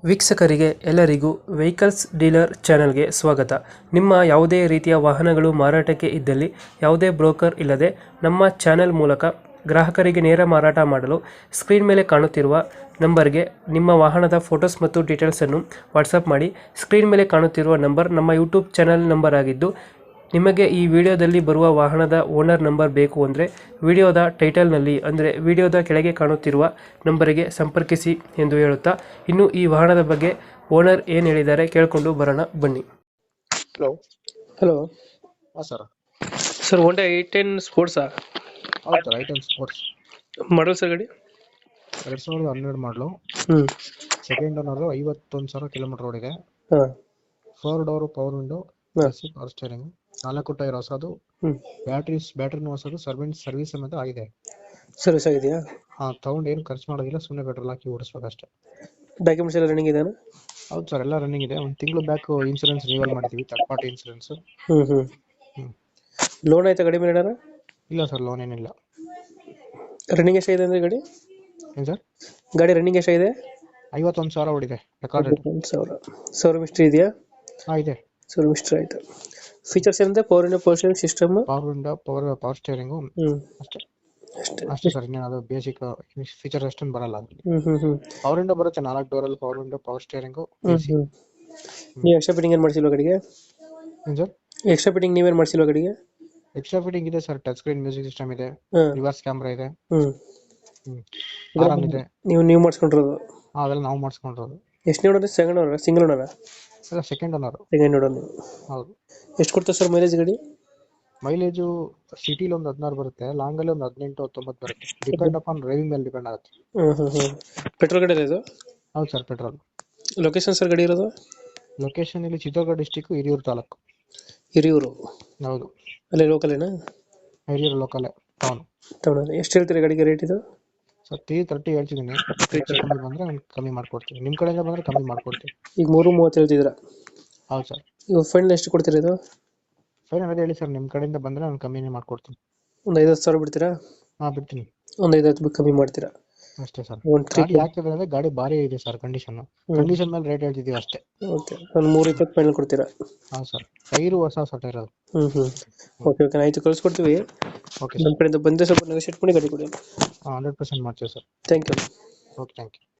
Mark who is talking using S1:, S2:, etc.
S1: ವೀಕ್ಷಕರಿಗೆ ಎಲ್ಲರಿಗೂ vehicles dealer ಚಾನೆಲ್ಗೆ ಸ್ವಾಗತ. ನಿಮ್ಮ ಯಾವುದೇ ರೀತಿಯ ವಾಹನಗಳು ಮಾರಾಟಕ್ಕೆ ಇದ್ದಲ್ಲಿ ಯಾವುದೇ ಬ್ರೋಕರ್ ಇಲ್ಲದೆ ನಮ್ಮ ಚಾನೆಲ್ ಮೂಲಕ ಗ್ರಾಹಕರಿಗೆ ನೇರ ಮಾರಾಟ ಮಾಡಲು ಸ್ಕ್ರೀನ್ ಮೇಲೆ ಕಾಣುತ್ತಿರುವ ನಂಬರ್ಗೆ ನಿಮ್ಮ ವಾಹನದ ಫೋಟೋಸ್ ಮತ್ತು ಡೀಟೇಲ್ಸನ್ನು ವಾಟ್ಸಪ್ ಮಾಡಿ. ಸ್ಕ್ರೀನ್ ಮೇಲೆ ಕಾಣುತ್ತಿರುವ ನಂಬರ್ ನಮ್ಮ ಯೂಟ್ಯೂಬ್ ಚಾನೆಲ್ ನಂಬರ್ ಆಗಿದ್ದು, ನಿಮಗೆ ಈ ವಿಡಿಯೋದಲ್ಲಿ ಬರುವ ವಾಹನದ ಓನರ್ ನಂಬರ್ ಬೇಕು ಅಂದರೆ ವಿಡಿಯೋದ ಟೈಟಲ್ನಲ್ಲಿ ಅಂದರೆ ವಿಡಿಯೋದ ಕೆಳಗೆ ಕಾಣುತ್ತಿರುವ ನಂಬರಿಗೆ ಸಂಪರ್ಕಿಸಿ ಎಂದು ಹೇಳುತ್ತಾ, ಇನ್ನು ಈ ವಾಹನದ ಬಗ್ಗೆ ಓನರ್ ಏನು ಹೇಳಿದ್ದಾರೆ ಕೇಳಿಕೊಂಡು ಬರೋಣ ಬನ್ನಿ.
S2: ಹಲೋ.
S1: ಹಲೋ
S2: ಹಾಂ ಸರ್.
S1: ಸರ್, ಹೋಂಡಾ ಐ10 ಸ್ಪೋರ್ಟ್ಸಾ?
S2: ಹೌದು sir, i ten sports
S1: model sir ಗಾಡಿ?
S2: 2012 ಮಾಡಲು. ಸೆಕೆಂಡ್ ಓನರು, 51,000 ಕಿಲೋಮೀಟರ್ ಓಡಿದೆ.
S1: ಹಾಂ.
S2: 4 ಡೋರು ಪವರ್ ವಿಂಡೋ,
S1: ಹಾಂ.
S2: ಪವರ್ ಸ್ಟೇರಿಂಗ್, 4 ಟೈರ್ ಹೊಸದು, ಬ್ಯಾಟ್ರಿನೂ ಹೊಸದು, ಸರ್ವಿಸ್ ಸಮೇತ ಆಗಿದೆ.
S1: ಸರ್ವಿಸ್ ಆಗಿದೆಯಾ?
S2: ಹಾಂ, ತಗೊಂಡು ಏನು ಖರ್ಚು ಮಾಡೋದಿಲ್ಲ, ಸುಮ್ಮನೆ ಪೆಟ್ರೋಲ್ ಹಾಕಿ ಓಡಿಸ್ಬೇಕಷ್ಟೇ.
S1: ಡಾಕ್ಯುಮೆಂಟ್ಸ್ ಎಲ್ಲ ರನ್ನಿಂಗ್ ಇದೆಯಾ?
S2: ಹೌದು ಸರ್, ಎಲ್ಲ ರನ್ನಿಂಗ್ ಇದೆ. ಒಂದು ತಿಂಗಳು ಬ್ಯಾಕ್ ಇನ್ಸೂರೆನ್ಸ್ ರಿವಲ್ ಮಾಡಿದ್ದೀವಿ, ಥರ್ಡ್ ಪಾರ್ಟಿ ಇನ್ಸೂರೆನ್ಸ್.
S1: ಹ್ಞೂ. ಲೋನ್ ಆಯ್ತಾ ಗಾಡಿ ಮೇಲೆ?
S2: ಇಲ್ಲ ಸರ್, ಲೋನ್ ಏನಿಲ್ಲ.
S1: ರನ್ನಿಂಗ್ ಎಷ್ಟಾಗಿದೆ ಅಂದರೆ ಗಾಡಿ?
S2: ಏನು ಸರ್?
S1: ಗಾಡಿ ರನ್ನಿಂಗ್ ಎಷ್ಟಾಗಿದೆ?
S2: 51,000 ಓಡಿದೆ ರೆಕಾರ್ಡ್.
S1: 1,000 ಮಿಸ್ಟ್ರಿ ಇದೆಯಾ?
S2: ಹಾಂ, ಇದೆ.
S1: ಸರ್ ಮಿಸ್ಟ್ರಿ ಆಯಿತು. ಫೀಚರ್ಸ್ ಏನಂದ್ರೆ power window, power steering system,
S2: power window, power steering ಅಷ್ಟೇ. ಅಷ್ಟೇ ಸರ್, ಇನ್ನೇನು ಅದು ಬೇಸಿಕ್ ಫೀಚರ್ ಅಷ್ಟೊಂದು ಬರಲ್ಲ. ಪವರ್ ವಿಂಡೋ ಬರುತ್ತೆ, 4 ಡೋರಲ್ಲಿ ಪವರ್ ವಿಂಡೋ, ಪವರ್ ಸ್ಟೇರಿಂಗು.
S1: ನೀವು ಎಕ್ಸ್ಟ್ರಾ ಫಿಟ್ಟಿಂಗ್ ಏನು ಮಾಡಿಸಿಲ್ವ ಗಾಡಿಗೆ?
S2: ಏನು ಸರ್?
S1: ಎಕ್ಸ್ಟ್ರಾ ಫಿಟ್ಟಿಂಗ್ ನೀವೇನು ಮಾಡಿಸಿಲ್ವ ಗಾಡಿಗೆ?
S2: ಎಕ್ಸ್ಟ್ರಾ ಫಿಟ್ಟಿಂಗ್ ಇದೆ sir, touch screen music system ಇದೆ, ರಿವರ್ಸ್ ಕ್ಯಾಮ್ರಾ ಇದೆ, ಆರಾಮ್ ಇದೆ.
S1: ನೀವು ಮಾಡಿಸ್ಕೊಂಡಿರೋದು?
S2: ಅದೆಲ್ಲ ನಾವು ಮಾಡಿಸ್ಕೊಂಡಿರೋದು.
S1: ಎಷ್ಟು ನೋಡೋದು? Second owner, single owner?
S2: ಅಲ್ಲ, ಸೆಕೆಂಡ್ ಓನರ್.
S1: Second owner.
S2: ಹೌದು.
S1: ಎಷ್ಟು ಕೊಡ್ತಾರೆ ಸರ್ ಮೈಲೇಜ್ ಗಾಡಿ?
S2: ಮೈಲೇಜು ಸಿಟಿಲಿ ಒಂದು 16 ಬರುತ್ತೆ, ಲಾಂಗಲ್ಲಿ ಒಂದು 18-19 ಬರುತ್ತೆ. ಡಿಪೆಂಡ್ ಅಪಾನ್ ಡ್ರೈವಿಂಗ್ ಮೇಲೆ ಡಿಪೆಂಡ್ ಆಗುತ್ತೆ.
S1: ಪೆಟ್ರೋಲ್ ಗಾಡಿ ಇದು?
S2: ಹೌದು ಸರ್, ಪೆಟ್ರೋಲ್.
S1: ಲೊಕೇಶನ್ ಸರ್ ಗಾಡಿ ಇರೋದು?
S2: ಲೊಕೇಶನ್ ಇಲ್ಲಿ ಚಿತ್ರದುರ್ಗ ಡಿಸ್ಟಿಕ್, ಹಿರಿಯೂರು ತಾಲೂಕು.
S1: ಹಿರಿಯೂರು?
S2: ಹೌದು.
S1: ಅಲ್ಲೇ ಲೋಕಲೇನಾ?
S2: Hiriyur local town.
S1: ಎಷ್ಟು ಹೇಳ್ತೀರಿ ಗಾಡಿಗೆ ರೇಟ್ ಇದು?
S2: ಸರ್, 330 ಹೇಳ್ತಿದ್ದೀನಿ. ಕಮ್ಮಿ ಬಂದರೆ ಕಮ್ಮಿ ಮಾಡ್ಕೊಡ್ತೀನಿ, ನಿಮ್ಮ ಕಡೆಯಿಂದ ಬಂದರೆ ಕಮ್ಮಿ ಮಾಡ್ಕೊಡ್ತೀನಿ.
S1: ಈಗ 3:30 ಹೇಳ್ತಿದ್ದೀರಾ?
S2: ಹೌದು ಸರ್.
S1: ಈಗ ಫೈನಲ್ ಎಷ್ಟು ಕೊಡ್ತೀರಾ ಇದು?
S2: ಫೈನಲ್ ಅದೇ ಹೇಳಿ ಸರ್, ನಿಮ್ಮ ಕಡೆಯಿಂದ ಬಂದರೆ ನಾನು ಕಮ್ಮಿನೇ ಮಾಡ್ಕೊಡ್ತೀನಿ.
S1: ಒಂದು 5,000 ಬಿಡ್ತೀರಾ?
S2: ಹಾಂ, ಬಿಡ್ತೀನಿ.
S1: ಒಂದು 5,000 ಕಮ್ಮಿ ಮಾಡ್ತೀರಾ?
S2: ಅಷ್ಟೇ ಸರ್.
S1: ಒಂದು
S2: ಗಾಡಿ ಯಾಕಿದೆ ಅಂದರೆ ಗಾಡಿ ಭಾರಿ ಇದೆ ಸರ್, ಕಂಡೀಷನ್ ಮೇಲೆ ರೇಟ್ ಹೇಳ್ತಿದ್ದೀವಿ ಅಷ್ಟೇ.
S1: ಓಕೆ, ಒಂದು 320 ಫೈನಲ್ ಕೊಡ್ತೀರಾ?
S2: ಹಾಂ ಸರ್, ಟೈರು ಹೊಸ ಟೈರ್ ಅದು.
S1: ಓಕೆ, ಆಯಿತು, ಕಳಿಸ್ಕೊಡ್ತೀವಿ.
S2: ಓಕೆ
S1: ನಮ್ಮ ಕಡೆಯಿಂದ ಬಂದರೆ ಸ್ವಲ್ಪ ನೆಗೋಶಿಯೇಟ್ ಮಾಡಿ ಗಾಡಿ ಕೊಡಿ.
S2: 100% ಮಾಡ್ತೀವಿ sir.
S1: Thank you.
S2: Okay, thank you.